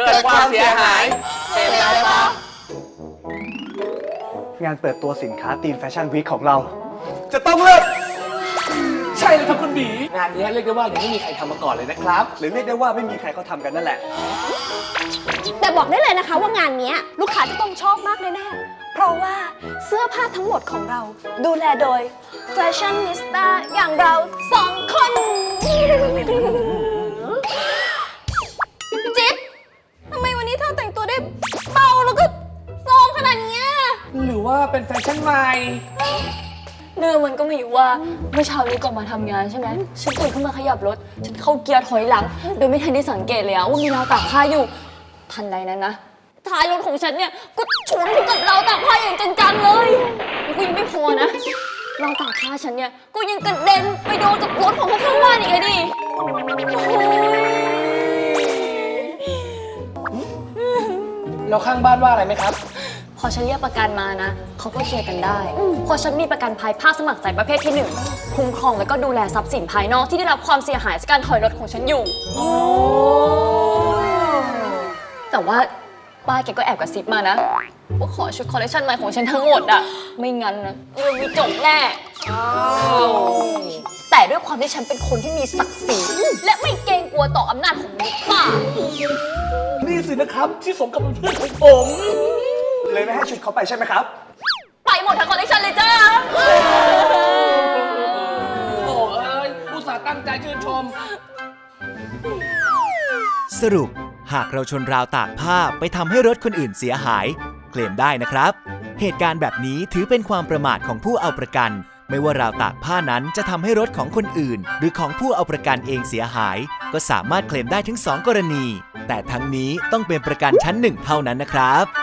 กิดความเสียหายเป็นไรปะงานเปิดตัวสินค้าธีมแฟชั่นวีคของเรา จะต้องเลิศใช่เลยครับคุณบีงานนี้เรียกได้ว่ายังไม่มีใครทำมาก่อนเลยนะครับหรือเรียกได้ว่าไม่มีใครเขาทำกันนั่นแหละแต่บอกได้เลยนะคะว่างานนี้ลูกค้าจะต้องชอบมากแน่ๆเพราะว่าเสื้อผ้าทั้งหมดของเราดูแลโดยแฟชั่นนิสต้าอย่างเราสองคนจิ๊บทำไมวันนี้เธอแต่งตัวได้เบาแล้วก็โซมขนาดเนี้ยหรือว่าเป็นแฟชั่นใหม่เรื่องมันก็มีอยู่ว่าเมื่อเช้านี้ก่อนมาทำงานใช่ไหมฉันตื่นขึ้นมาขยับรถฉันเข้าเกียร์ถอยหลังโดยไม่ทันได้สังเกตเลยว่ามีราวตากผ้าอยู่ทันใดนั้นนะท้ายรถของฉันเนี่ยก็ชนกับราวตากผ้าอย่างจังๆเลยแล้วก็ยังไม่พอนะราวตากผ้าฉันเนี่ยก็ยังกระเด็นไปโดนกับรถของข้างบ้านอีกเลยดิโอ้ยแล้วข้างบ้านว่าอะไรไหมครับพอฉันเรียกประกันมานะเขาก็เคลียร์กันได้พอฉันมีประกันภัยภาคสมัครใจประเภทที่1คุ้มครองแล้วก็ดูแลทรัพย์สินภายนอกที่ได้รับความเสียหายจากการถอยรถของฉันอยู่แต่ว่าป้าแกก็แอบกระซิบมานะว่าขอชุดคอลเลคชันใหม่ของฉันทั้งหมดอะไม่งั้นนะเรื่องมีจบแน่แต่ด้วยความที่ฉันเป็นคนที่มีศักดิ์ศรีและไม่เกรงกลัวต่ออำนาจของมนุษย์ป้านี่สินะครับที่สมกับเป็นเพื่อนของผมเลยไม่ให้ชุดเขาไปใช่ไหมครับไปหมดทั้งคอลเลคชันเลยจ้าโอ้เอ้ยอุตส่าห์ตั้งใจชื่นชมสรุปหากเราชนราวตากผ้าไปทำให้รถคนอื่นเสียหายเคลมได้นะครับ เหตุการณ์แบบนี้ถือเป็นความประมาทของผู้เอาประกัน ไม่ว่าราวตากผ้านั้นจะทำให้รถของคนอื่น หรือของผู้เอาประกันเองเสียหาย ก็สามารถเคลมได้ถึง2 กรณี แต่ทั้งนี้ต้องเป็นประกันชั้น 1 เท่านั้นนะครับ